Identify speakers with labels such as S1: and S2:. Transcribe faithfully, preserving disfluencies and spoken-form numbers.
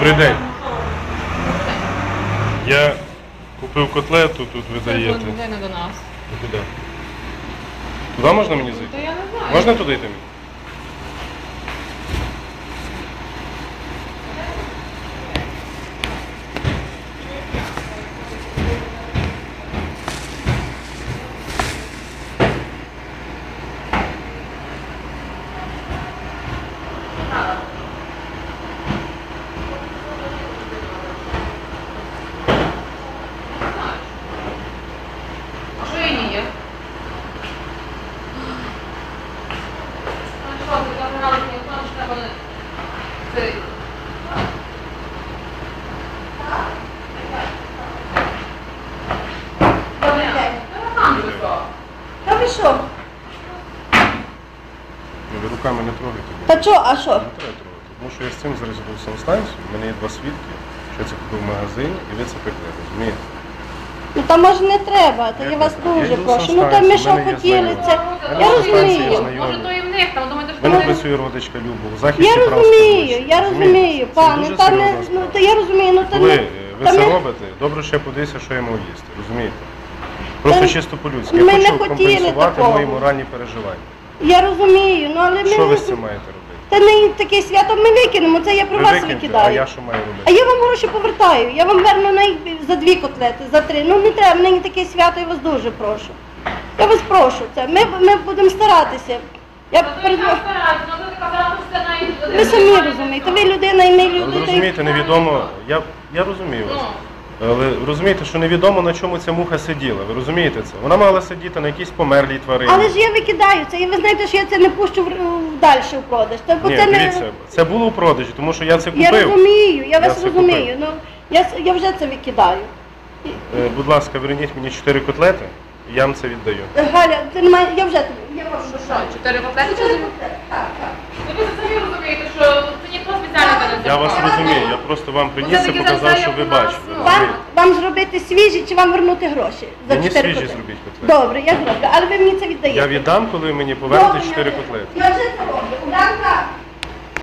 S1: Добрий день. Я купив котлету, тут ви даєте.
S2: Це не до нас.
S1: Куди? Туди можна мені зайти?
S2: То я не знаю.
S1: Можна туди йти?
S2: А що її є? Ну що, ти забирали мені в тому, що треба не... Це... Добрий день.
S3: Та ви що?
S1: Ви руками не трогайте.
S3: Та що, а що?
S1: Не треба трогати. Тому що я з цим зараз був санстанцію, в мене є два свідки, що я це купив в магазині і ви це пекли, розумієте?
S3: Ну та може не треба, та
S1: Як
S3: я вас
S1: не треба? Я
S3: дуже
S1: йду
S3: прошу.
S1: в
S3: Ну та ми
S1: санстанцію,
S3: що
S1: в мене є
S3: хотіли
S1: знайомі.
S3: це.
S1: Я
S3: Я
S1: йду в санстанцію, я
S3: розумію.
S1: знайомий.
S2: Може, то і в них, там думаєте,
S1: В
S2: що
S1: мене
S2: вони...
S1: працює родичка Люба, у захисті
S3: Я
S1: прав
S3: розумію,
S1: споживачів.
S3: я
S1: Розумієте?
S3: розумію,
S1: Це
S3: пане,
S1: дуже
S3: та не,
S1: серйозна
S3: ну
S1: справа.
S3: та я розумію, ну та
S1: Коли
S3: не...
S1: е, ви
S3: та
S1: це
S3: ми-
S1: робите, добре ще подивіться, що я мав їсти, розумієте? Просто
S3: Та
S1: чисто по-людськи.
S3: ми
S1: Я
S3: не
S1: хочу
S3: хотіли
S1: компенсувати
S3: такого.
S1: мої моральні переживання.
S3: Я розумію, ну але ми...
S1: Що ви з цим маєте робити?
S3: Та не таке свято ми викинемо, це я про
S1: Ви
S3: вас
S1: викиньте, а
S3: викидаю.
S1: я що маю
S3: А
S1: робити?
S3: я вам гроші повертаю, я вам верну най... за дві котлети, за три. Ну не треба, мені таке свято, я вас дуже прошу. Я вас прошу, це. Ми, ми будемо старатися. Я перед... Ви самі розумієте, ви людина і ми
S1: Але ви
S3: люди.
S1: розумієте, невідомо, я, я розумію вас. Але ви розумієте, що невідомо, на чому ця муха сиділа. Ви розумієте це? Вона мала сидіти на якійсь померлій тварині.
S3: Але ж я викидаю це, і ви знаєте, що я це не пущу в, в далі в продаж. Та, бо
S1: Ні,
S3: це не...
S1: дивіться, це було у продажі, тому що я це
S3: Я
S1: купив.
S3: розумію, я вас
S1: це
S3: розумію.
S1: купив.
S3: Ну, я, с- я вже це викидаю.
S1: Е, Будь ласка, верніть мені чотири котлети, і я вам це віддаю.
S3: Галя, ти не має, я вже тобі, я прошу.
S2: Що, чотири котлети чи
S3: Чотири
S2: зі-
S3: котлети, так, так.
S2: Ви самі розумієте, що це ніхто спеціально не
S1: Я вас розумію, я просто вам приніс і показав, щоб ви бачили.
S3: Вам,
S1: розумієте?
S3: вам зробити свіжі чи вам вернути гроші? За
S1: Мені
S3: чотири
S1: свіжі
S3: котлети?
S1: зробіть котлети.
S3: Добре, я зроблю, але ви мені це віддаєте.
S1: Я віддам, коли ви мені повернете
S3: Добре,
S1: чотири
S3: я-
S1: котлети.
S3: Я вже це роблю. Уранка,